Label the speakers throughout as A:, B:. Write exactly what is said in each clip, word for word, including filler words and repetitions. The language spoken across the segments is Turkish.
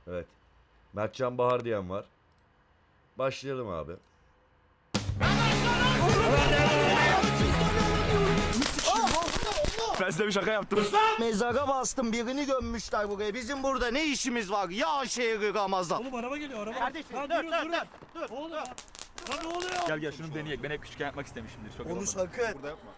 A: Evet. Mertcan Bahar diyen var. Başlayalım abi.
B: Ben size bir şaka yaptım.
C: Mezara bastım, birini gömmüşler buraya. Bizim burada ne işimiz var? Ya şehri Ramazan.
D: Oğlum araba geliyor araba.
C: Kardeşim,
D: Lan
C: dur,
D: durun,
C: dur,
D: durun.
C: dur, dur,
D: Oğlum
C: dur.
D: lan. Lan ne oluyor?
B: Gel gel şunu deneyek. Ben hep küçükken yapmak istemişimdir. Çok
C: Onu
B: olmadı.
C: sakın.
B: Burada yapma.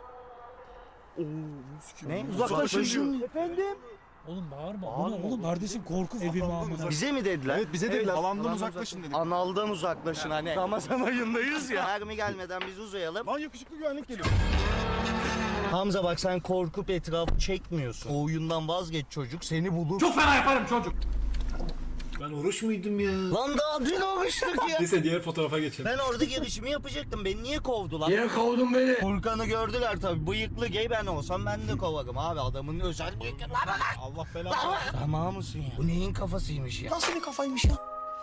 C: Ne? Uzaklaşın şimdi. Efendim?
D: Oğlum bağırma. Bu
C: Bağırma
D: ne oğlum? Kardeşim korku evi mi amına?
C: Bize mi dediler?
B: Evet bize dediler. Alandan uzaklaşın dedik.
C: Analdan uzaklaşın hani. Ramazan ayındayız ya. Mermi gelmeden biz uzayalım.
B: Lan yakışıklı güvenlik geliyor.
C: Hamza bak sen korkup etrafı çekmiyorsun. O oyundan vazgeç çocuk seni bulur.
D: Çok fena yaparım çocuk. Ben oruç muydum ya?
C: Lan daha dün olmuştuk ya.
D: Neyse diğer fotoğrafa geçelim.
C: Ben orada girişimi yapacaktım. Beni niye kovdular?
D: Niye kovdun beni?
C: Furkan'ı gördüler tabii. Bıyıklı gay ben olsam ben de kovarım abi. Adamın özel bıyıklı. Lan lan lan.
B: Allah belanı.
C: Tamam mısın ya? Bu neyin kafasıymış ya?
D: Nasıl bir kafaymış ya?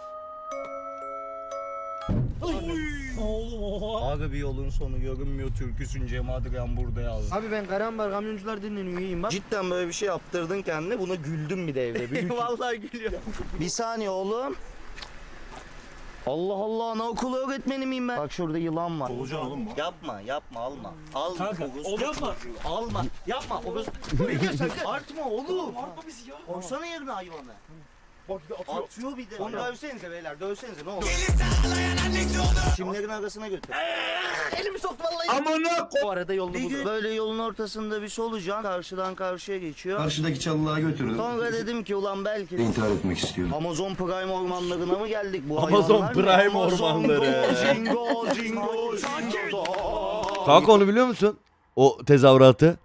D: Oğlum oha.
C: Abi bir yolun sonu görünmüyor türküsün Cem Adrian burada yazdı. Abi ben Karambar kamyoncular dinleniyor iyiyim bak. Cidden böyle bir şey yaptırdın kendine buna güldüm bir de evde. Vallahi gülüyorum. Bir saniye oğlum. Allah Allah anaokulu öğretmeni miyim ben? Bak şurada yılan var.
B: Olacaksın oğlum bu.
C: Yapma yapma alma. Alma.
D: Kanka,
C: Orospu
D: oğlum yapma.
C: çocuğu. Alma. Yapma. Orospu. Ne diyorsun? Artma oğlum.
D: Artma bizi ya.
C: Koysana yerine hayvanı.
B: Bak bir de atıyor.
C: Atıyor bir de. Onu dövsenize beyler dövsenize ne olur. Çimlerin arasına götür. Elimi soktu vallahi.
D: Amına
C: Bu arada yolunu bulur. Böyle yolun ortasında bir solucan karşıdan karşıya geçiyor.
E: Karşıdaki çalılığa götürün.
C: Sonra dedim ki ulan belki de
E: İntihar etmek istiyorum.
C: Amazon Prime ormanlarına mı geldik bu
A: Amazon
C: hayvanlar ne?
A: Prime
C: Amazon
A: ormanları.
C: Go, Jingo, jingo, jingo.
A: Kanka onu biliyor musun? O tezahüratı.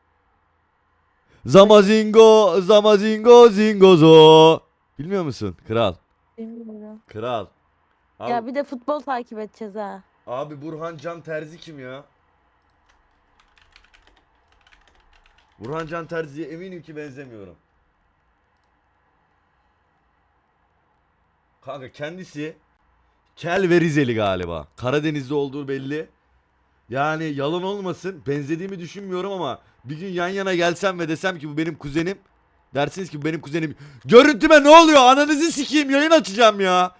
A: Zamazingo, zamazingo, zingozo. Bilmiyor musun? Kral.
F: Bilmiyorum.
A: Kral. Abi,
F: Ya bir de futbol takip edeceğiz ha.
A: abi Burhan Can Terzi kim ya? Burhan Can Terzi'ye eminim ki benzemiyorum. Kanka kendisi Kel ve Rizeli galiba. Karadeniz'de olduğu belli. Yani yalan olmasın benzediğimi düşünmüyorum ama bir gün yan yana gelsem ve desem ki bu benim kuzenim. Dersiniz ki bu benim kuzenim. Görüntüme ne oluyor? Ananızı sikeyim yayın açacağım ya.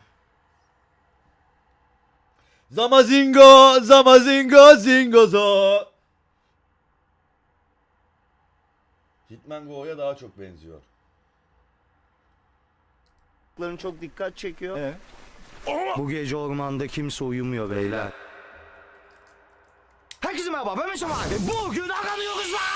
A: Zamazingo, zamazingo, zingozo. Hitman Go'ya daha çok benziyor.
C: Çok dikkat çekiyor.
B: Ee?
C: Bu gece ormanda kimse uyumuyor beyler. Herkese merhaba ben Mesut abi. Bugün aramıyoruz lan.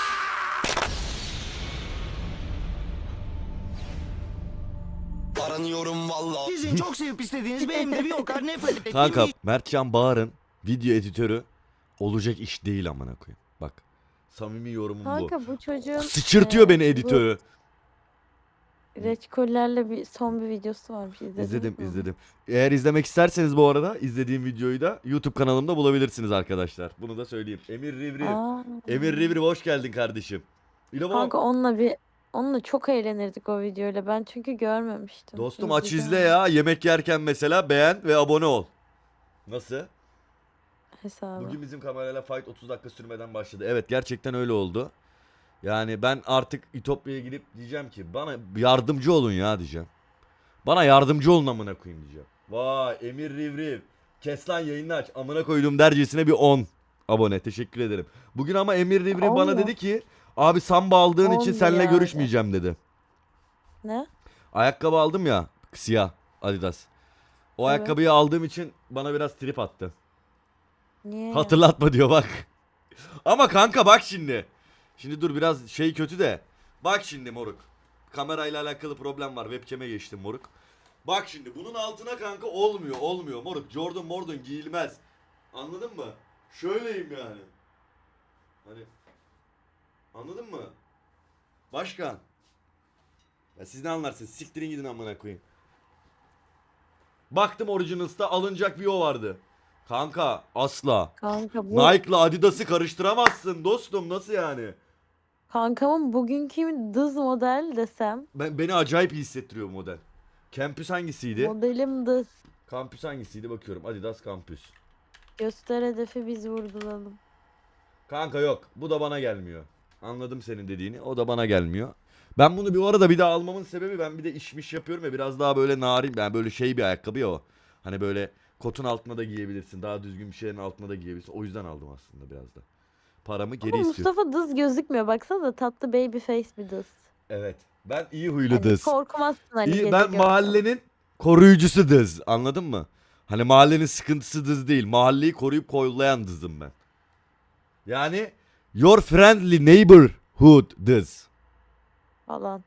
C: Aranıyorum vallahi. Sizin çok sevip istediğiniz benim de bir o kadar nefret ettiğim
A: Kanka
C: bir
A: Mertcan Bağır'ın video editörü olacak iş değil amına koyayım. Bak samimi yorumum bu.
F: Kanka bu çocuğun
A: Sıçırtıyor
F: e,
A: beni
F: bu
A: editörü.
F: reçkollerle bir son bir videosu varmış. İzlediniz
A: İzledim
F: mi?
A: izledim. Eğer izlemek isterseniz bu arada izlediğim videoyu da YouTube kanalımda bulabilirsiniz arkadaşlar. Bunu da söyleyeyim. Emir Rivri.
F: Aa,
A: Emir Rivri hoş geldin kardeşim. İlo
F: kanka onunla bir onunla çok eğlenirdik o videoyla. Ben çünkü görmemiştim.
A: dostum aç
F: İzleyeceğim
A: izle ya. Yemek yerken mesela beğen ve abone ol. Nasıl?
F: hesabı.
A: Bugün bizim kamerayla fight otuz dakika sürmeden başladı. Evet gerçekten öyle oldu. Yani ben artık İtopya'ya gidip diyeceğim ki bana yardımcı olun ya diyeceğim. Bana yardımcı olun amına koyayım diyeceğim. Vay Emir Rivriv. Kes lan yayını aç. Amına koydum dercesine bir on abone. Teşekkür ederim. Bugün ama Emir Rivriv bana
F: Allah.
A: dedi ki abi samba aldığın için
F: On
A: seninle
F: ya.
A: görüşmeyeceğim dedi.
F: Ne?
A: Ayakkabı aldım ya siyah Adidas. O
F: Evet.
A: ayakkabıyı aldığım için bana biraz trip attı.
F: Niye? ya?
A: Hatırlatma diyor bak. Ama kanka bak şimdi. Şimdi dur biraz şey kötü de. Bak şimdi moruk. Kamerayla alakalı problem var. Webcam'e geçtim moruk. Bak şimdi bunun altına kanka olmuyor olmuyor moruk. Jordan Mordon giyilmez. Anladın mı? Şöyleyim yani. Hani anladın mı? Başkan. Ya siz ne anlarsınız? Siktirin gidin amına koyayım. Baktım Originals'ta alınacak bir o vardı. Kanka asla.
F: Kanka bu
A: Nike'la Adidas'ı karıştıramazsın dostum nasıl yani?
F: kankamın bugünkü dız model desem.
A: Ben beni acayip iyi hissettiriyor bu model. Campus hangisiydi?
F: Modelim dız.
A: Campus hangisiydi bakıyorum. Adidas Campus.
F: Göster hedefi biz vurgulalım.
A: Kanka yok. Bu da bana gelmiyor. Anladım senin dediğini. O da bana gelmiyor. Ben bunu bir arada bir daha almamın sebebi ben bir de işmiş yapıyorum ya biraz daha böyle narin yani böyle şey bir ayakkabı ya o. Hani böyle kotun altına da giyebilirsin. Daha düzgün bir şeyin altına da giyebilirsin. O yüzden aldım aslında biraz da. Paramı geri
F: Ama
A: istiyorum.
F: Mustafa dız gözükmüyor. Baksana tatlı baby face bir dız.
A: Evet. Ben iyi huylu
F: Hani
A: dız.
F: korkmazsın hani
A: İyi,
F: gece
A: ben
F: görsen.
A: mahallenin koruyucusu dız. Anladın mı? Hani mahallenin sıkıntısı dız değil. Mahalleyi koruyup kollayan dızım ben. Yani your friendly neighborhood dız.
F: Falan.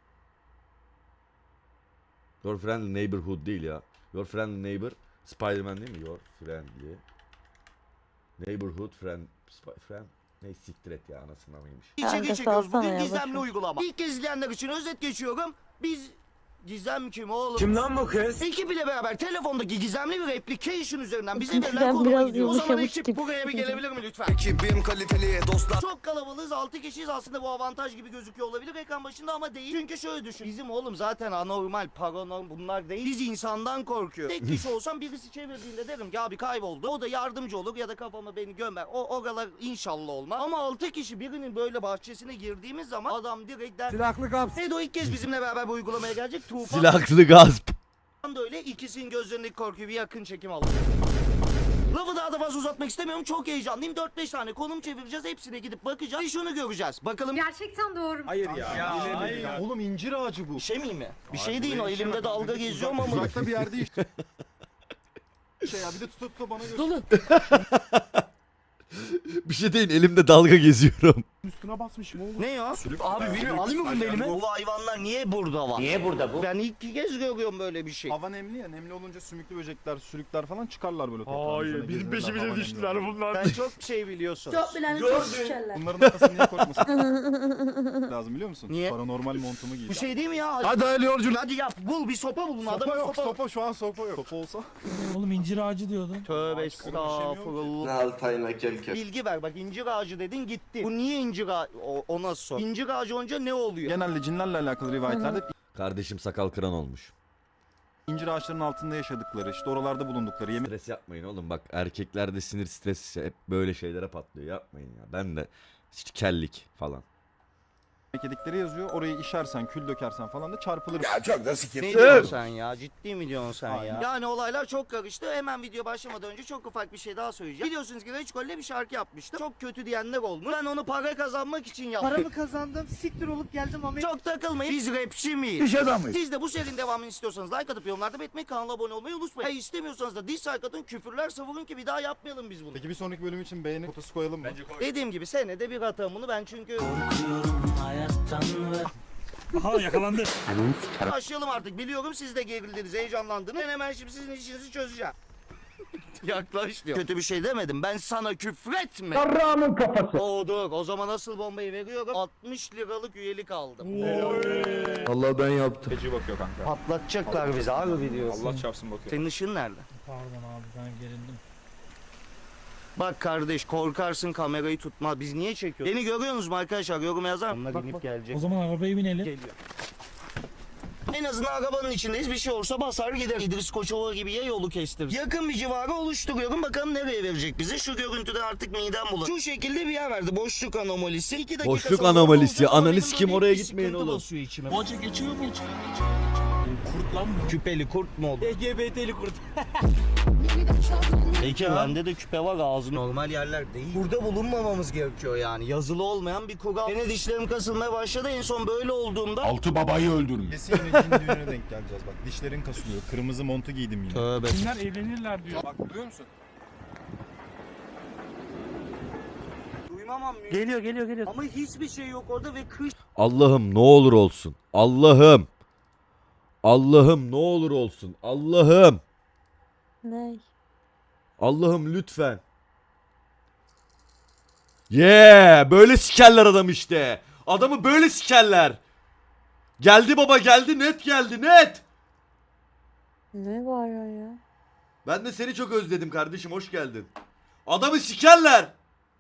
A: Your friendly neighborhood değil ya. Your friendly neighbor Spider-Man değil mi? Your friendly neighborhood friend Sp- friend ne siktir et ya anasını mıymış.
F: Kanka
C: İçe çekiyoruz
F: salsana
C: bugün
F: ya,
C: gizemli
F: boşver.
C: uygulama. İlk kez izleyenler için özet geçiyorum. Biz Gizem kim oğlum?
D: Kim lan bu kız?
C: Ekip ile beraber telefondaki gizemli bir application üzerinden bize verilen
F: Ben
C: konuma
F: biraz
C: gidiyor. O zaman
F: yumuşamış
C: ekip
F: gibi.
C: buraya bir gelebilir mi lütfen?
E: Ekibim kaliteli dostlar.
C: Çok kalabalığız altı kişiyiz aslında bu avantaj gibi gözüküyor olabilir ekran başında ama değil. Çünkü şöyle düşün. Bizim oğlum zaten anormal, paranormal bunlar değil. Biz insandan korkuyor. Tek kişi olsam birisi çevirdiğinde derim ki abi kayboldu. O da yardımcı olur ya da kafama beni gömer. O oralar inşallah olmaz. Ama altı kişi birinin böyle bahçesine girdiğimiz zaman adam direkt der.
B: Silahlı kaps.
C: Edo ilk kez bizimle beraber bu uygulamaya gelecek. Tufan
A: Silahlı gasp.
C: da öyle ikisinin gözlerindeki korkuyu bir yakın çekim aldı. Lafı daha da fazla uzatmak istemiyorum. Çok heyecanlıyım. dört beş tane konum çevireceğiz. Hepsine gidip bakacağız. Bir şunu göreceğiz. Bakalım
G: Gerçekten doğru mu?
B: Hayır ya. Oğlum incir ağacı bu.
C: bir şey miyim mi? Bir şey değil o elimde dalga geziyorum ama.
B: Uzakta bir yerde işte. Şey ya bir de tuta tuta bana göster.
C: Dolu.
A: Bir şey değil elimde dalga geziyorum.
B: Üstüne basmışım oğlum.
C: Ne ya? Abi bilmiyorum alayım mı bunu elime? Bu hayvanlar niye burada var? Niye burada bu? Ben ilk kez görüyorum böyle bir şey.
B: Hava nemli ya. Nemli olunca sümüklü böcekler, sürükler falan çıkarlar böyle toprağın
H: Hayır,
B: üzerine,
H: bizim
B: gezerler,
H: peşimize
B: hava
H: düştüler
B: nemli.
H: bunlar.
C: Ben çok şey biliyorsun.
G: Çok bilen çok şişerler.
B: Bunların arkasını niye korkmasın lazım biliyor musun?
C: Niye?
B: Paranormal montumu giy.
C: Bu şey değil mi ya?
B: Hadi hayırlı yolculuk.
C: Hadi yap bul bir sopa bulun
B: Sopa
C: adamın
B: yok,
C: sopa.
B: sopa şu an sopa yok. Sopa olsa.
H: Oğlum incir ağacı diyordun.
C: Tövbe
B: Ağaç konuşamıyor ki.
C: estağfurullah.
E: Altayına kelke.
C: Bilgi ver bak incir ağacı dedin gitti. Bu niye incir ağacı? O, o nasıl sor? İncir ağacı olunca ne oluyor?
B: Genelde cinlerle alakalı rivayetlerde
A: Kardeşim sakal kıran olmuş.
B: incir ağaçlarının altında yaşadıkları, işte oralarda bulundukları, yemek
A: Stres yapmayın oğlum bak erkeklerde sinir stresi hep böyle şeylere patlıyor yapmayın ya. Ben de işte kellik falan.
B: yedikleri yazıyor. Orayı işersen, kül dökersen falan da çarpılır.
E: Ya çok da sikir.
C: Ne diyorsun sen ya? Ciddi mi diyorsun sen ya?
B: Aynen.
C: Yani olaylar çok karıştı. Hemen video başlamadan önce çok ufak bir şey daha söyleyeceğim. Biliyorsunuz ki Reçkol'le bir şarkı yapmıştı. Çok kötü diyenler olmuş. Ben onu para kazanmak için yaptım.
I: Paramı kazandım, siktir olup geldim ama
C: Çok takılmayın. Biz rapçi miyiz?
E: İş adamıyız.
C: Siz de bu serinin devamını istiyorsanız like atıp yorumlarda belirtmeyi, kanala abone olmayı unutmayın. Eğer istemiyorsanız da dislike atın, küfürler savurun ki bir daha yapmayalım biz bunu.
B: Peki bir sonraki bölüm için beğeni fotosu koyalım mı? Bence koy.
C: Dediğim gibi senede bir atarım bunu ben çünkü...
H: Aha yakalandı.
C: Başlayalım artık. Biliyorum siz de gerildiniz, heyecanlandınız. Ben hemen şimdi sizin işinizi çözeceğim. Yaklaş diyor. Kötü bir şey demedim. Ben sana küfretme.
E: Karramın kafası.
C: Oo dur. O zaman asıl bombayı veriyorum. altmış liralık üyelik aldım.
E: Allah ben yaptım.
B: Feci bakıyor kanka.
C: Patlatacaklar bizi abi diyorsun.
B: Allah çarpsın bakıyor.
C: Senin ışığın nerede?
H: Pardon abi ben gerildim.
C: Bak kardeş korkarsın kamerayı tutma. Biz niye çekiyoruz? Beni görüyorsunuz mu arkadaşlar? Yorum yazar mısınız? Onlar inip gelecek.
H: O zaman arabaya binelim.
C: Geliyor. En azından arabanın içindeyiz. Bir şey olursa basar gider. İdris Koçova gibi ya yolu kestir. Yakın bir civarı oluşturuyorum. Bakalım nereye verecek bizi. Şu görüntüden artık midem bulanıyor. Şu şekilde bir yer verdi. Boşluk anomalisi. İki dakika
A: Boşluk
C: sonra
A: anomalisi.
C: olacak ama
A: Ananı
C: benim
A: sikim,
C: böyle
A: oraya
C: bir
A: gitmeyin
C: sıkıntı
A: oğlum.
C: basıyor içime.
H: Hoca geçiyor mu hiç? Kurt lan bu.
C: Küpeli kurt mu oldu?
H: L G B T'li kurt.
C: Peki bende de küpe var ağzı normal yerler değil. Burada bulunmamamız gerekiyor yani. Yazılı olmayan bir kural. Yine dişlerim kasılmaya başladı. En son böyle olduğumda.
E: Altı babayı öldürmüş.
B: Kesin yine cin düğününe denk geleceğiz bak. Dişlerin kasılıyor. Kırmızı montu giydim yine.
C: Tövbe.
H: Kimler evlenirler diyor.
B: Bak duyuyor musun?
C: Duymamam mı?
I: Geliyor geliyor geliyor.
C: Ama hiçbir şey yok orada ve kış.
A: Allah'ım ne olur olsun. Allah'ım. Allah'ım ne olur olsun. Allah'ım.
F: Ne?
A: Allah'ım lütfen. Yeah, böyle sikerler adam işte. Adamı böyle sikerler. Geldi baba geldi net geldi net.
F: Ne var ya?
A: Ben de seni çok özledim kardeşim hoş geldin. Adamı sikerler.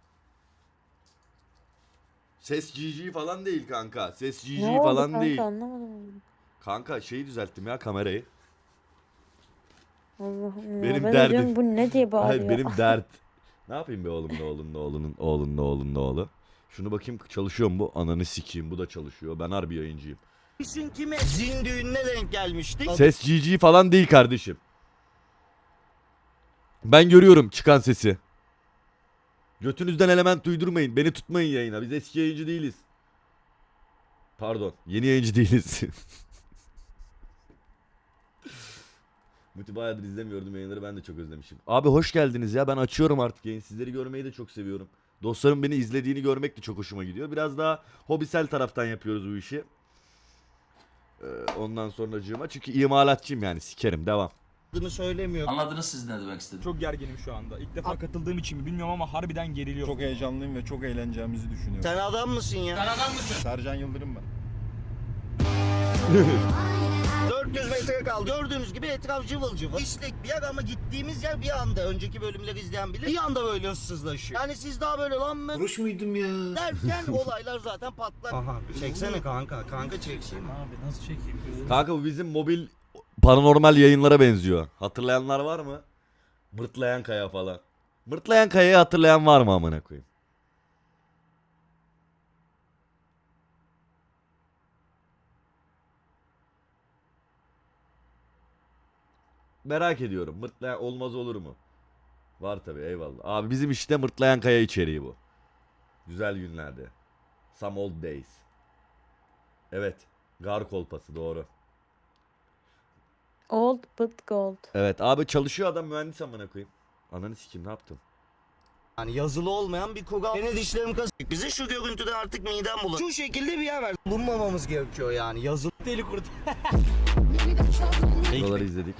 A: Ses G G falan değil kanka. Ses G G
F: Ne oldu
A: falan
F: kanka,
A: değil.
F: anlamadım.
A: Kanka şeyi düzelttim ya kamerayı.
F: Allah'ım ya.
A: Benim
F: ben de
A: derdim-
F: diyorum bu ne diye bağırıyor.
A: Hayır benim dert. Ne yapayım be oğlum ne oğlum ne oğlunun oğlun ne oğlun ne oğlu. Şunu bakayım çalışıyor mu bu? Ananı sikeyim bu da çalışıyor. Ben harbi yayıncıyım.
C: Düşün kime? Zin düğününe denk gelmiştik.
A: Ses G G falan değil kardeşim. Ben görüyorum çıkan sesi. Götünüzden element uydurmayın. Beni tutmayın yayına. Biz eski yayıncı değiliz. Pardon. Yeni yayıncı değiliz. Muti bayağıdır izlemiyordum yayınları. Ben de çok özlemişim. Abi hoş geldiniz ya. Ben açıyorum artık yayın. Sizleri görmeyi de çok seviyorum. Dostlarım beni izlediğini görmek de çok hoşuma gidiyor. Biraz daha hobisel taraftan yapıyoruz bu işi. Ee, ondan sonracığıma. Çünkü imalatçıyım yani. Sikerim. Devam.
C: Adını söylemiyorum.
J: Anladınız siz ne demek istediğimi.
H: Çok gerginim şu anda. İlk defa katıldığım için mi bilmiyorum ama harbiden geriliyorum.
B: Çok heyecanlıyım ve çok eğleneceğimizi düşünüyorum.
C: Sen adam mısın ya?
B: Sercan Yıldırım ben.
C: dört yüz metre kaldı. Gördüğünüz gibi etraf cıvıl cıvıl. İşlek bir yer ama gittiğimiz yer bir anda. Önceki bölümleri izleyen bilir. Bir anda böyle ıssızlaşıyor. Yani siz daha böyle lan mı
D: Oruç muydum ya?
C: derken olaylar zaten patlar. Aha çeksene kanka. Kanka çeksene.
H: Abi nasıl çekeyim gözünü?
A: Kanka bu bizim mobil paranormal yayınlara benziyor. Hatırlayanlar var mı? Mırtlayan Kaya falan. Mırtlayan Kaya'yı hatırlayan var mı amına koyayım? Merak ediyorum. Mırtlayan olmaz olur mu? Var tabi eyvallah. Abi bizim işte Mırtlayan Kaya içeriği bu. Güzel günlerde. Some old days. Evet. Gar kolpası doğru.
F: Old but gold.
A: Evet abi çalışıyor adam mühendis amına koyayım. Ananı sikim ne yaptım?
C: Yani yazılı olmayan bir kural. Yine dişlerim kazık. Bize şu görüntüde artık midem bulanıyor. Şu şekilde bir yer ver. Bulunmamamız gerekiyor yani. Yazılı
H: Deli kurt.
A: Buraları izledik.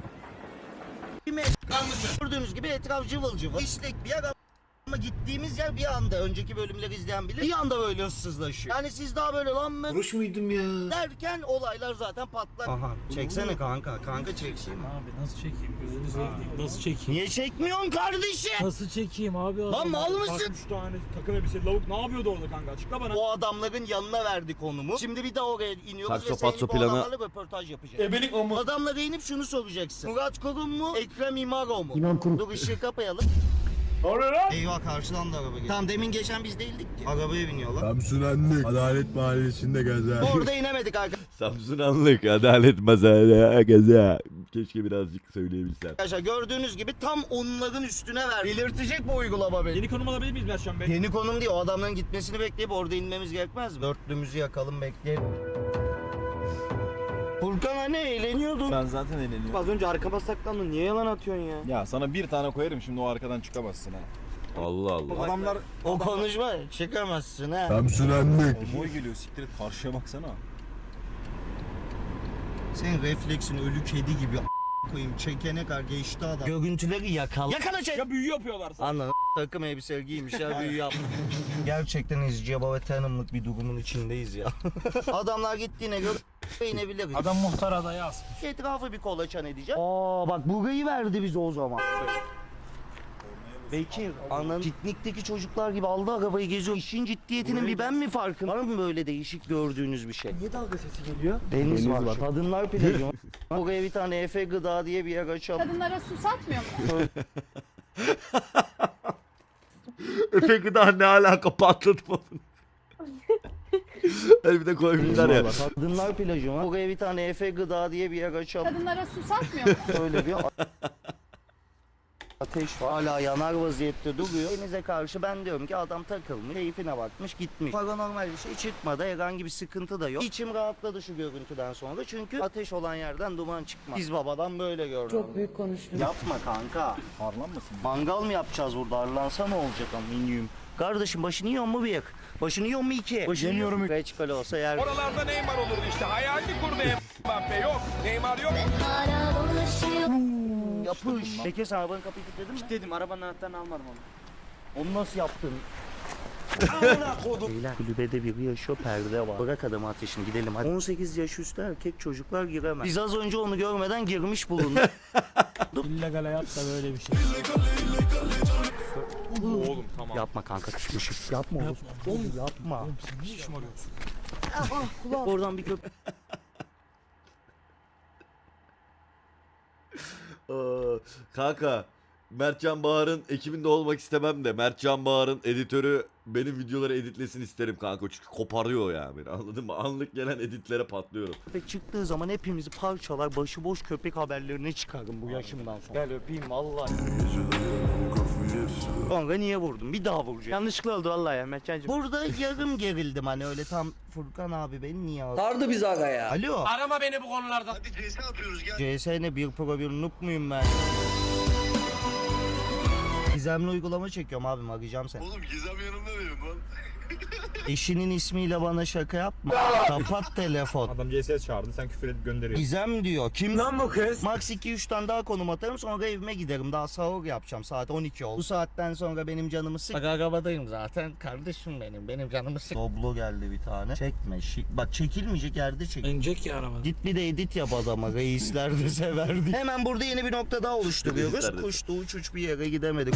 C: gördüğünüz gibi etraf cıvıl cıvıl. İşlek bir yer ama gittiğimiz yer bir anda. Önceki bölümleri izleyen bilir. Bir anda böyle ıssızlaşıyor. Yani siz daha böyle lan mı
D: Oruç muydum ya?
C: derken olaylar zaten patlar. Aha çeksene kanka. Kanka çeksene.
H: Abi nasıl çekeyim gözünü seveyim. Nasıl çekeyim?
C: Niye çekmiyorsun kardeşim?
H: Nasıl çekeyim abi?
C: Lan mal mısın?
H: Üç tane takım elbise lavuk ne yapıyordu orada kanka? Açıkla bana.
C: O adamların yanına verdi konumu. Şimdi bir daha oraya iniyoruz
A: Sakso
C: ve senin
A: patso
C: bu
A: planı-
C: adamlarla röportaj yapacağız.
H: Ebelik o mu?
C: Adamla değinip şunu soracaksın. Murat Kurum mu? Ekrem İmaro mu? İmam Kurum. Dur ışığı kapayalım.
H: Oraya lan.
C: Eyvah karşıdan da araba geliyor. Tamam demin geçen biz değildik ki. Arabaya biniyorlar.
E: Samsun Anlık. Adalet Mahallesi'nde gezer.
C: Orada inemedik arkadaşlar.
A: Samsun Anlık adalet masaya gaza. Keşke birazcık söyleyebilsem.
C: Gördüğünüz gibi tam onların üstüne ver. Belirtecek bu uygulama beni.
H: Yeni konum alabilir miyiz Berşan Bey?
C: Yeni konum değil, o adamların gitmesini bekleyip orada inmemiz gerekmez mi? Dörtlümüzü yakalım bekleyelim. Furkan hani eğleniyordun.
B: Ben zaten eğleniyorum.
I: Az önce arkama saklandın. Niye yalan atıyorsun ya?
B: Ya sana bir tane koyarım şimdi o arkadan çıkamazsın ha.
A: Allah Allah.
B: Adamlar
C: O konuşma çıkamazsın ha.
E: Samsun Anlık.
B: konvoy geliyor siktir et karşıya baksana.
C: Senin refleksin ölü kedi gibi a- koyayım çekene kadar geçti adam. Görüntüleri yakala. Yakala çek.
H: Ya büyü yapıyorlar sana.
C: Anladın takım elbise giymişler büyü yapmış. Gerçekten izci baba tanımlık bir durumun içindeyiz ya. Adamlar gittiğine göre inebiliriz.
H: Adam muhtar adayı asmış.
C: Etrafı bir kolaçan edeceğim. Aa bak burayı verdi bize o zaman. Bekir, ananın piknikteki çocuklar gibi aldı arabayı geziyor. İşin ciddiyetinin bir ben mi farkım? Var mı böyle değişik gördüğünüz bir şey?
I: Niye dalga sesi geliyor?
C: Deniz,
B: Deniz
C: var.
B: var.
C: Kadınlar plajı. Buraya bir tane Efe Gıda diye bir yer açalım.
G: Kadınlara su satmıyor mu?
A: Efe gıda ne alaka patladı falan. Hani bir de koymuşlar ya.
C: Kadınlar plajı var. Buraya bir tane Efe Gıda diye bir yer açalım.
G: Kadınlara su satmıyor mu?
C: Öyle bir ateş var. Hala yanar vaziyette duruyor. Denize karşı ben diyorum ki adam takılmış, keyfine bakmış, gitmiş. Paranormal bir şey çıkmadı, herhangi bir sıkıntı da yok. İçim rahatladı şu görüntüden sonra çünkü ateş olan yerden duman çıkmaz. Biz babadan böyle gördük.
I: Çok büyük konuştun.
C: Yapma kanka.
B: Harlanmasın.
C: Mangal mı yapacağız burada? Arlansa ne olacak aminyum? Kardeşim başını yiyor mu bir? Başını yiyor mu iki? Başını
B: Yemiyorum.
C: Reçkal olsa yer.
H: Oralarda Neymar olurdu işte. Hayalini kurdu Mbappe yok. Neymar yok.
C: Yapış. Peki sen arabanın kapıyı kilitledin mi?
I: Dedim arabanın anahtarını almadım onu.
C: Onu nasıl yaptın? Beyler kulübede biri yaşıyor, perde var. Bırak adamı ateşini gidelim hadi. on sekiz yaş üstü erkek çocuklar giremez. Biz az önce onu görmeden girmiş bulunduk.
H: İllegal hayat da böyle bir şey. Oğlum tamam.
C: Yapma kanka küçmüşüm. Yapma oğlum. Oğlum yapma.
H: Oğlum sen niye şımarıyorsun?
C: Oradan bir köp...
A: Aa, kanka Mertcan Bağır'ın ekibinde olmak istemem de Mertcan Bağır'ın editörü benim videoları editlesin isterim kanka. Çünkü koparıyor ya beni, anladın mı? Anlık gelen editlere patlıyorum.
C: Köpek çıktığı zaman hepimizi parçalar, başıboş köpek haberlerine çıkarım bu yaşımdan sonra. Gel öpeyim vallahi. Sonra niye vurdum? Bir daha vuracağım.
I: Yanlışlıkla oldu vallahi ya Mertcan'cığım.
C: Burada yarım gerildim hani öyle tam Furkan abi beni niye aldı?
I: Sardı bizi aga ya.
C: Alo.
H: Arama beni bu konularda.
C: Hadi C S yapıyoruz gel. C S ne bir pro bir noob muyum ben? Gizemli uygulama çekiyorum abim, arayacağım seni.
E: Oğlum Gizem yanımda benim lan.
C: Eşinin ismiyle bana şaka yapma. Kapat telefon.
B: Adam C S çağırdı, sen küfür edip gönderiyorsun.
C: Gizem diyor. Kim lan bu kız? Max iki üç tane daha konum atarım sonra evime giderim. Daha sahur yapacağım. Saat on iki oldu. Bu saatten sonra benim canımı sık. Bak arabadayım zaten. Kardeşim benim. Benim canımı sık. Doblo geldi bir tane. Çekme. Şi- Bak çekilmeyecek yerde çek.
I: İnecek ya araba.
C: Git bir de edit yap adama. Reisler de severdi. Hemen burada yeni bir nokta daha oluşturuyoruz.
A: Reisler de-
C: Kuştu uç uç bir yere gidemedik.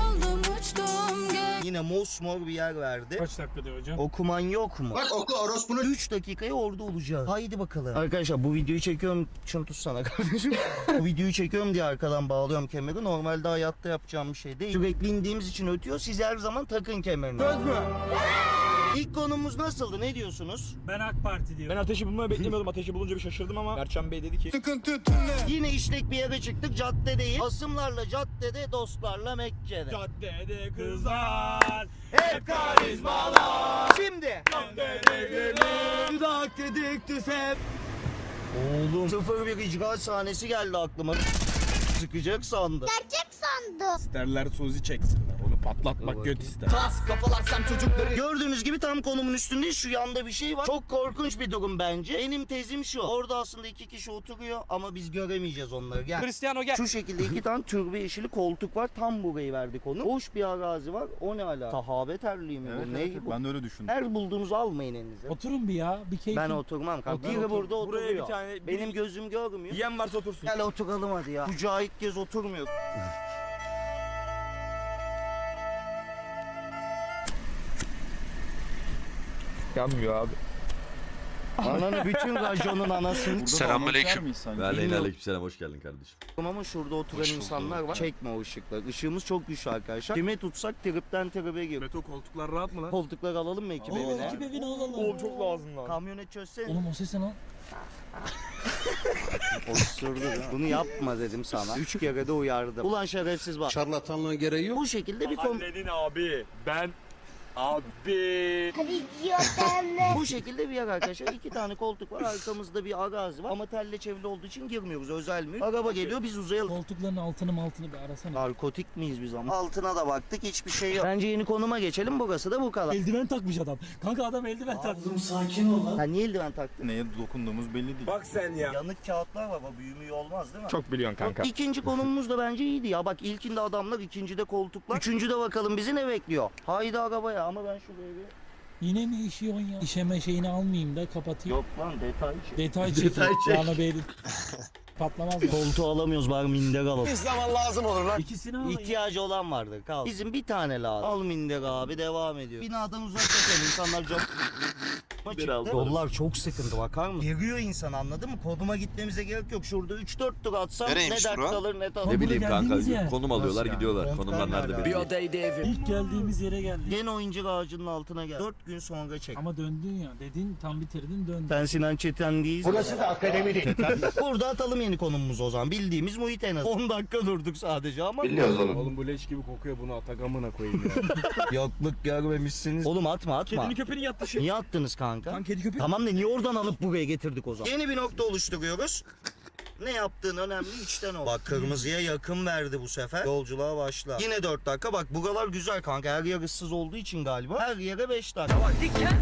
C: Yine mosmor bir yer verdi.
D: Kaç dakika diyor hocam?
C: Okuman yok mu?
E: Bak oku orospunu.
C: üç dakikaya orada olacağız. Haydi bakalım. Arkadaşlar bu videoyu çekiyorum. Şunu tutsana kardeşim. Bu videoyu çekiyorum diye arkadan bağlıyorum kemeri. Normalde hayatta yapacağım bir şey değil. Sürekli indiğimiz için ötüyor. Siz her zaman takın kemerini. Söz mü? İlk konumuz nasıldı? Ne diyorsunuz?
I: Ben AK Parti diyorum.
B: Ben ateşi bulmayı beklemiyordum. Ateşi bulunca bir şaşırdım ama Mertcan Bey dedi ki
C: Yine işlek bir yere çıktık. Cadde değil. Hasımlarla caddede, dostlarla Mekke'de.
I: Caddede kızlar.
C: Hep karizmalar. Şimdi. Dudak dedik tüfek. Oğlum. sıfır bir icra sahnesi geldi aklıma. Sıkacak sandım.
B: isterler Suzi çeksinler. Onu patlatmak göt ister.
C: Gördüğünüz gibi tam konumun üstünde şu yanda bir şey var. Çok korkunç bir durum bence. Benim tezim şu. Orada aslında iki kişi oturuyor ama biz göremeyeceğiz onları. Gel.
H: Cristiano gel.
C: Şu şekilde iki tane türbe yeşili koltuk var. Tam burayı verdik onu. Boş bir arazi var. O ne ala? Sahabe terliği mi bu? Ne bu?
B: Ben de öyle düşündüm.
C: Her bulduğunuzu almayın elinize.
I: Oturun bir ya. Bir keyif.
C: Ben oturmam kanka.
I: Otur,
C: Biri
I: otur.
C: burada oturuyor.
B: Buraya bir tane
C: Benim gözüm görmüyor.
B: yiyen varsa otursun.
C: Gel oturalım hadi ya. Kucağa ilk kez oturmuyor.
B: Yanmıyor abi.
C: Ananı bütün raconun anasını
J: Selamünaleyküm.
A: Ve aleyna aleykümselam, hoş geldin kardeşim.
C: ama şurada oturan
J: Hoş bulduk.
C: insanlar var. Çekme o ışıkları. Işığımız çok güçlü arkadaşlar. Kime tutsak tripten tribe giriyor.
B: Beto koltuklar rahat mı lan?
C: Koltuklar alalım mı ekip
I: Oo,
C: evine?
I: ekip evine alalım.
B: Oğlum çok lazım lan.
C: Kamyonet çözsene.
I: Oğlum o ses ne lan?
C: Osurdu ya. Bunu yapma dedim sana. Üç kere de uyardım. Ulan şerefsiz bak.
E: Şarlatanlığın gereği yok.
C: Bu şekilde bir kom...
B: Annenin abi. Ben abi.
C: Bu şekilde bir yer arkadaşlar. İki tane koltuk var. Arkamızda bir arazi var. Ama telle çevrili olduğu için girmiyoruz. Özel mülk. Araba geliyor biz uzayalım.
I: Koltukların altını altını bir arasana.
C: Narkotik miyiz biz ama? Altına da baktık hiçbir şey yok. Bence yeni konuma geçelim. Burası da bu kadar.
I: Eldiven takmış adam. Kanka adam eldiven takmış.
C: Ha niye eldiven taktın?
B: Neye dokunduğumuz belli değil.
H: Bak sen ya.
C: Yanık kağıtlar var. Bu büyümüyor olmaz değil mi?
B: Çok biliyorsun kanka.
C: İkinci konumuz da bence iyiydi ya. Bak ilkinde adamlar, ikincide koltuklar. Üçüncüde bakalım bizi ne bekliyor. Haydi arabaya ama ben şuraya bir...
I: Yine mi işiyorsun ya? İşeme şeyini almayayım da kapatayım.
C: Yok lan detay şey.
I: Detay çek.
A: Detay çek.
I: Bana belli. Patlamaz mı?
C: Koltuğu alamıyoruz bari minder alalım.
E: Bir zaman lazım olur lan.
I: İkisini al.
C: İhtiyacı olan vardır kal. Bizim bir tane lazım. Al minder abi devam ediyor. Binadan uzaklaşalım insanlar cam...
A: Bir aldım.
C: Yollar çok sıkıntı bakar mısın? Geriyor insan anladın mı? Konuma gitmemize gerek yok. Şurada üç dört tur atsam
J: Nereymiş
C: ne dert
J: bura?
C: kalır ne tadı.
A: Ne bileyim kanka,
I: geldiğimiz yer.
A: konum alıyorlar
C: Nasıl
A: gidiyorlar.
C: yani?
A: Konumlar
C: Kontlar
A: nerede
C: nerede?
A: belli değil.
I: İlk geldiğimiz yere geldik.
C: Gene oyuncak ağacının altına gel. Dört gün sonra çek.
I: Ama döndün ya. Dedin tam bitirdin döndün.
C: Sen Sinan Çeten değilsin. Burası da akademi değil. Burada atalım yeni konumumuzu o zaman. Bildiğimiz muhit en az. on dakika durduk sadece ama.
B: Oğlum bu leş gibi kokuyor, bunu atagamına koyayım ya.
C: Yokluk görmemişsiniz. Oğlum atma atma.
B: Kedini köpeğini yattı şimdi.
C: Niye attınız kanka?
B: Lan kedi köpek.
C: Tamam da niye oradan alıp buraya getirdik o zaman? Yeni bir nokta oluşturuyoruz. Ne yaptığın önemli, içten ol. Bak kırmızıya yakın verdi bu sefer. Yolculuğa başla. Yine dört dakika. Bak buralar güzel kanka. Her yer ıssız olduğu için galiba. Her yere beş dakika. Bak.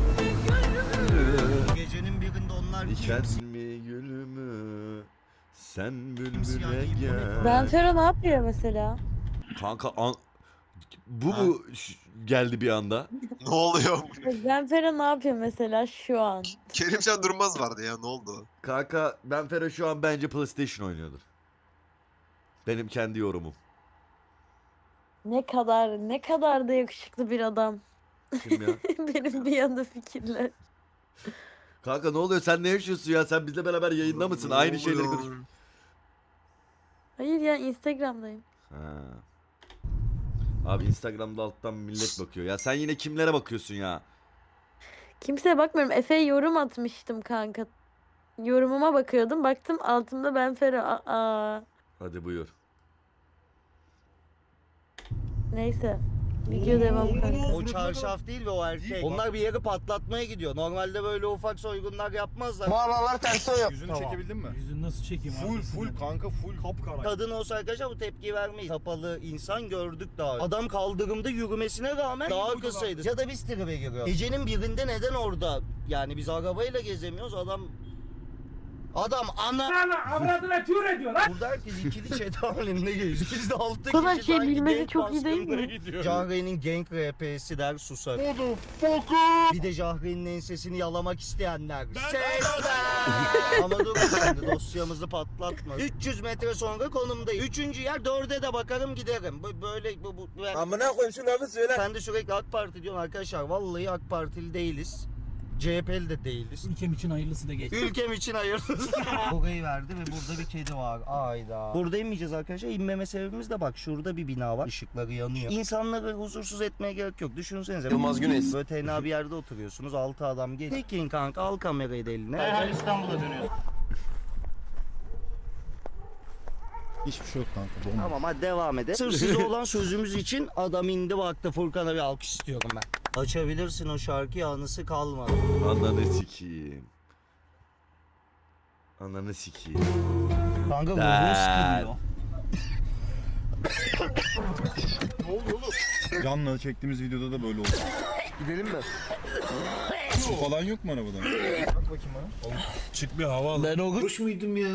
C: Gecenin birinde onlar
A: Diken
C: kimsin?
A: mi gülümü sen
C: Simsiyah
A: bülbüle
C: giyip o ne?
A: gel.
F: Benfero ne yapıyor mesela?
A: Kanka an... bu mu ş- geldi bir anda?
J: Ne oluyor?
F: Benfero ne yapıyor mesela şu an?
J: Kerimcan Durmaz vardı ya, ne oldu?
A: Kanka Benfero şu an bence PlayStation oynuyordur. Benim kendi yorumum.
F: Ne kadar ne kadar da yakışıklı bir adam.
A: Kim ya?
F: Benim bir anda fikirler.
A: Kanka ne oluyor, sen ne yaşıyorsun ya? Sen bizle beraber yayında mısın? Aynı şeyleri konuş.
F: Hayır ya Instagram'dayım.
A: Ha. Abi Instagram'da alttan millet bakıyor. Ya sen yine kimlere bakıyorsun ya?
F: Kimseye bakmıyorum. Efe'ye yorum atmıştım kanka. Yorumuma bakıyordum. Baktım altımda ben Fero. Aa.
A: Hadi buyur.
F: Neyse. Video devam kanka.
C: O çarşaf değil ve o erkek. Onlar bir yeri patlatmaya gidiyor. Normalde böyle ufak soygunlar yapmazlar.
E: Mağaralar ters yok.
B: Yüzünü çekebildin mi?
I: Yüzünü nasıl çekeyim
B: Full
I: arkasından?
B: full kanka full kapkara.
C: Kadın olsa arkadaşlar bu tepkiyi vermeyiz. Kapalı insan gördük daha önce. Adam kaldırımda yürümesine rağmen daha kısaydı. Ya da biz tribe giriyor. Gecenin birinde neden orada? Yani biz arabayla gezemiyoruz. Adam Adam ana
H: Avradına tür ediyor lan.
C: burada herkes ikili chat halinde geziyor. Biz de altı
F: Bu kadar
C: kişi
F: şey
C: sanki
F: bilmesi
C: gang
F: çok iyi değil mi?
C: baskınına gidiyoruz. Jahre'nin gang R P'si der susar. Bir de Jahre'nin ensesini yalamak isteyenler. Sesler. Ama dur şimdi dosyamızı patlatma. üç yüz metre sonra konumdayım. Üçüncü yer dörde de bakarım giderim. Bu- Böyle bu, bu, bu-
E: Amına koyayım şu lafı söyle.
C: Sen de sürekli AK Parti diyorsun arkadaşlar. Vallahi AK Partili değiliz. C H P'li de değiliz.
I: Ülkem için hayırlısı da geç.
C: Ülkem için hayırlısı. Burayı verdi ve burada bir kedi var. Ayda. Burada inmeyeceğiz arkadaşlar. İnmeme sebebimiz de bak şurada bir bina var. Işıkları yanıyor. İnsanları huzursuz etmeye gerek yok. Düşünsenize.
E: Yılmaz Güneş.
C: Böyle tenha bir yerde oturuyorsunuz. Altı adam geliyor. Tekin kanka al kamerayı da eline. Derhal İstanbul'a dönüyoruz.
B: Hiçbir şey yok kanka. Bomba.
C: Tamam hadi devam edelim. Sırf size olan sözümüz için adam indi baktı. Furkan'a bir alkış istiyorum ben. Açabilirsin o şarkıyı anısı kalmadı.
A: Ananı sikeyim. Ananı sikeyim.
C: Kanka bu
A: Der.
C: sıkılıyor.
B: Canla çektiğimiz videoda da böyle oldu.
E: Gidelim mi?
B: Su falan yok mu arabada? Bak bakayım bana.
D: Çık bir hava al.
C: Ben o
D: Oruç muydum ya?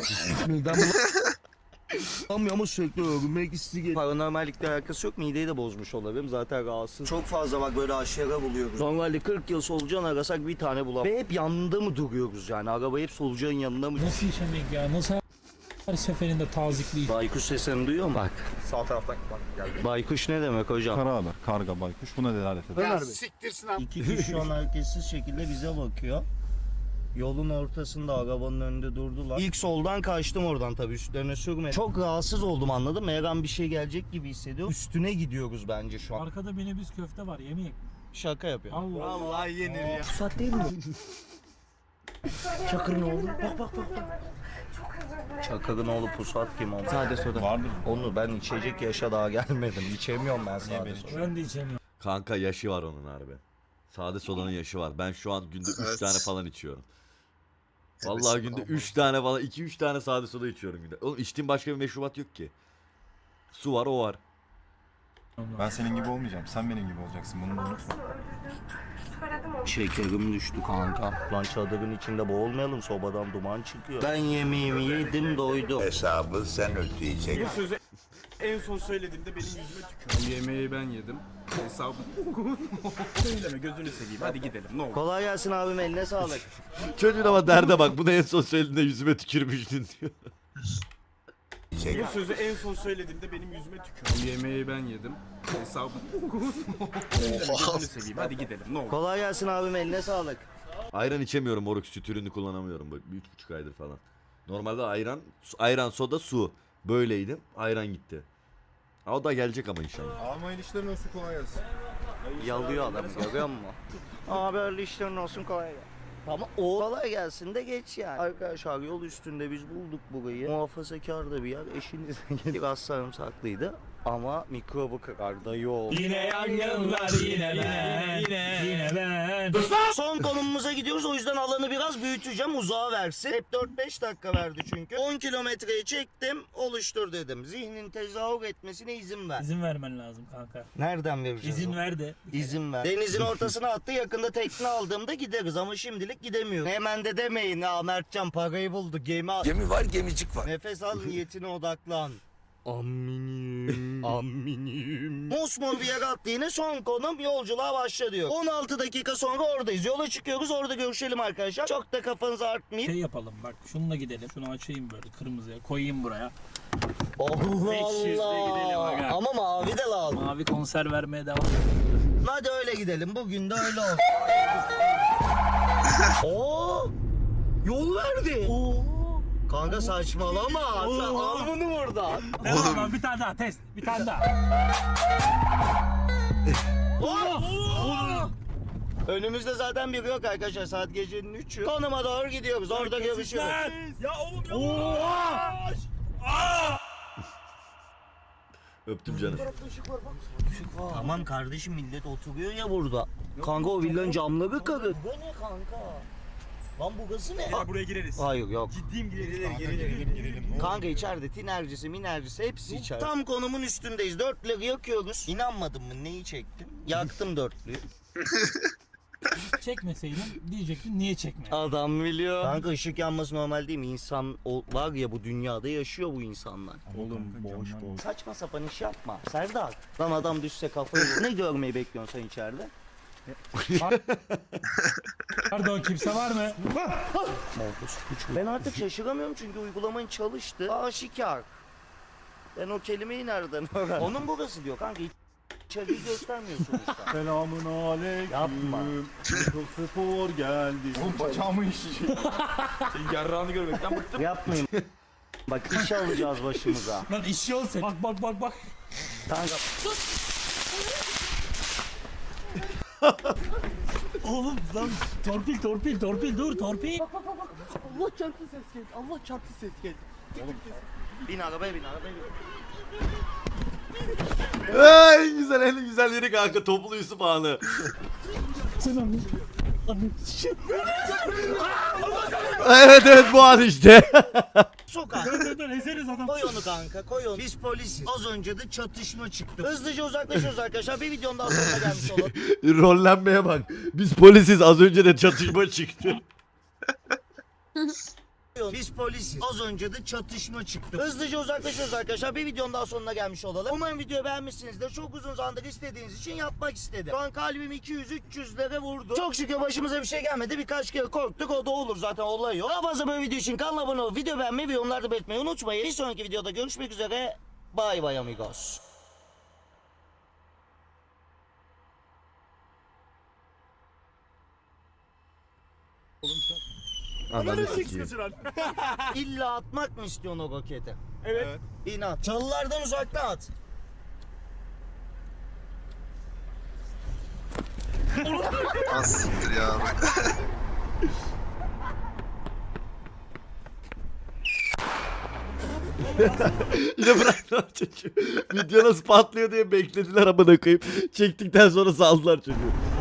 C: Anlamıyor ama sürekli övünmek istiyor. Paranormallikle alakası yok. Mideyi de bozmuş olabilirim. Zaten rahatsız. Çok fazla bak böyle aşağıya buluyoruz. Normalde kırk yıl solucan arasak bir tane bulamam. Ve hep yanında mı duruyoruz yani? Araba hep solucanın yanında mı?
I: Nasıl işemek ya? Nasıl her seferinde tazikli?
C: Baykuş sesini duyuyor mu? Bak.
E: Sağ taraftan bak geldi.
C: Baykuş ne demek hocam?
B: Kara haber, karga, baykuş buna delalet eder.
E: Ya siktirsin abi.
C: İki kişi şu an hareketsiz şekilde bize bakıyor. Yolun ortasında arabanın önünde durdular. İlk soldan kaçtım oradan tabii üstlerine sürmedim. Çok rahatsız oldum anladın mı? Her an bir şey gelecek gibi hissediyorum. Üstüne gidiyoruz bence şu an.
I: Arkada minibüs köfte var yemeyek mi?
C: Şaka yapıyor.
I: Allah Allah.
E: Vallahi yenir ya.
C: Pusat değil mi? Çakır'ın oğlu. Bak bak bak. bak. Çakır'ın oğlu Pusat kim ama? Sade soda.
B: Vardır.
C: Onu ben içecek yaşa daha gelmedim. İçemiyorum ben sade
B: ben
C: soda.
I: Ben de içemiyorum.
A: Kanka yaşı var onun harbi. Sade sodanın yaşı var. Ben şu an günde üç
J: Evet.
A: tane falan içiyorum.
J: Evet,
A: Vallahi günde
J: aman.
A: üç tane falan iki üç tane sade soda içiyorum günde. Oğlum içtiğim başka bir meşrubat yok ki. Su var o var.
B: Ben senin gibi olmayacağım. Sen benim gibi olacaksın. Bunu da unutma.
C: Şekerim düştü kanka. Lan çadırın içinde boğulmayalım sobadan duman çıkıyor. Ben yemeğimi yedim doydum.
E: Hesabı sen ödeyeceksin.
H: Sözü en son söylediğimde benim yüzüme tükürdü. Yemeği ben yedim. Hesabı. Söyleme gözünü seveyim. Hadi gidelim ne olur.
C: Kolay gelsin abim eline sağlık.
A: Çocuğun ama derde bak. Bu da en son söylediğinde yüzüme tükürmüştün diyor.
H: Bu sözü en son söylediğimde benim yüzüme tükürdü. Yemeği ben yedim. Hesabı. Söyleme gözünü seveyim. Hadi gidelim ne olur.
C: Kolay gelsin abim eline sağlık.
A: Ayran içemiyorum moruk. Süt ürünü kullanamıyorum. Bu üç buçuk aydır falan. Normalde ayran, su- ayran soda su. Böyleydim. Ayran gitti. Ha, o da gelecek ama inşallah.
B: Alma ilişkilerin olsun kolay gelsin.
C: Yalıyor adam görüyor musun? Abi öyle işlerin olsun kolay gelsin. Ama o kolay gelsin de geç yani. Arkadaşlar yol üstünde biz bulduk burayı. Muhafazakar da bir yer. Eşiniz biraz sarımsaklıydı. Ama mikrobu kırar da yol.
I: Yine yangınlar yine ben. Yine, yine ben.
C: Son konumumuza gidiyoruz. O yüzden alanı biraz büyüteceğim. Uzağa versin. Hep dört beş dakika verdi çünkü. on kilometreye çektim. Oluştur dedim. Zihnin tezahür etmesine izin ver.
I: İzin vermen lazım kanka.
C: Nereden vereceğiz?
I: İzin
C: onu?
I: ver de.
C: İzin ver. Denizin ortasına attı. Yakında tekne aldığımda gideriz ama şimdilik gidemiyoruz. Hemen de demeyin ha Mertcan parayı buldu. Gemi al.
E: Gemi var gemicik var.
C: Nefes al niyetine odaklan. Aminim, aminim. Mosmor bir yere attı yine son konum yolculuğa başla diyor. on altı dakika sonra oradayız. Yola çıkıyoruz orada görüşelim arkadaşlar. Çok da kafanızı artmayın.
I: Şey yapalım bak şununla gidelim. Şunu açayım böyle kırmızıya koyayım buraya.
C: Allah
I: beş yüzle gidelim
C: Allah.
I: aga.
C: Ama mavi de lazım.
I: Mavi konser vermeye devam.
C: Hadi öyle gidelim. Bugün de öyle olsun. Oo! Yol verdi. Oo! Kanka saçmalama. Sen al bunu buradan.
I: Devam lan bir tane daha test. Bir tane daha.
C: Önümüzde zaten biri yok arkadaşlar. Saat gecenin üçü. Konuma doğru gidiyoruz. Orada görüşürüz.
H: Ya oğlum ya.
A: Öptüm canım.
C: Tamam kardeşim, millet oturuyor ya burada. Kanka o villanın camları kırık. Bu ne kanka? Lan bu gazı ne?
H: Ya buraya gireriz.
C: Hayır yok.
H: Ciddiyim gireriz. Girelim girelim.
C: Kanka içeride tinercisi minercisi hepsi içeride. Tam konumun üstündeyiz. Dörtlüğü yakıyoruz. İnanmadın mı neyi çektim? Yaktım dörtlüğü.
I: Çekmeseydin diyecektin niye çekmiyor?
C: Adam biliyor. Kanka ışık yanması normal değil mi? İnsan o, var ya bu dünyada yaşıyor bu insanlar.
B: Oğlum boş boş.
C: Saçma sapan iş yapma. Serdar. Lan adam düşse kafayı. Ne görmeyi bekliyorsun sen içeride?
I: Pardon kimse var mı?
C: Ben artık şaşıramıyorum çünkü uygulamanın çalıştı. Aşikar. Ben o kelimeyi nereden öğrendim? Onun burası diyor kanka. İçeriği göstermiyor sonuçta.
B: Selamun aleyküm.
C: Yapma.
B: Çok spor geldi. Oğlum bacağımı işleyecek.
H: Senin yarrağını görmekten bıktım.
C: Yapmayın. Bak iş alacağız başımıza.
I: Lan işi olsun. Bak bak bak bak.
C: Kanka
I: Oğlum lan torpil torpil torpil dur torpil.
H: Allah çarptı ses geldi. Allah çarptı ses geldi.
C: bin arabaya bin arabaya bin.
A: Ay, en güzel en güzel yeri kanka toplu Yusuf anı.
I: Sen anladın.
A: Evet evet bu an işte.
C: Sokak.
I: Dur dur dur ezeriz adam.
C: Koy onu kanka koy onu. Biz polisiz. Az önce de çatışma çıktı. Hızlıca uzaklaşıyoruz arkadaşlar. Bir videonun daha sonuna gelmiş olalım.
A: Rollenmeye bak. Biz polisiz az önce de çatışma çıktı.
C: Biz polisiz. Az önce de çatışma çıktı. Hızlıca uzaklaşıyoruz arkadaşlar. Bir videonun daha sonuna gelmiş olalım. Umarım videoyu beğenmişsinizdir. Çok uzun zamandır istediğiniz için yapmak istedim. Şu an kalbim iki yüz üç yüzlere vurdu. Çok şükür başımıza bir şey gelmedi. Birkaç kere korktuk. O da olur zaten, olay yok. Daha fazla böyle video için kanala abone olup video beğenmeyi ve yorumlarda belirtmeyi unutmayın. Bir sonraki videoda görüşmek üzere. Bye bye amigos.
A: Ananı sikeyim.
C: İlla atmak mı istiyorsun o roketi?
H: Evet.
C: İnat. Çalılardan uzakta at.
J: Az siktir ya.
A: Yine bıraktılar çocuğu. Video nasıl patlıyor diye beklediler amına koyayım. Çektikten sonra saldılar çocuğu.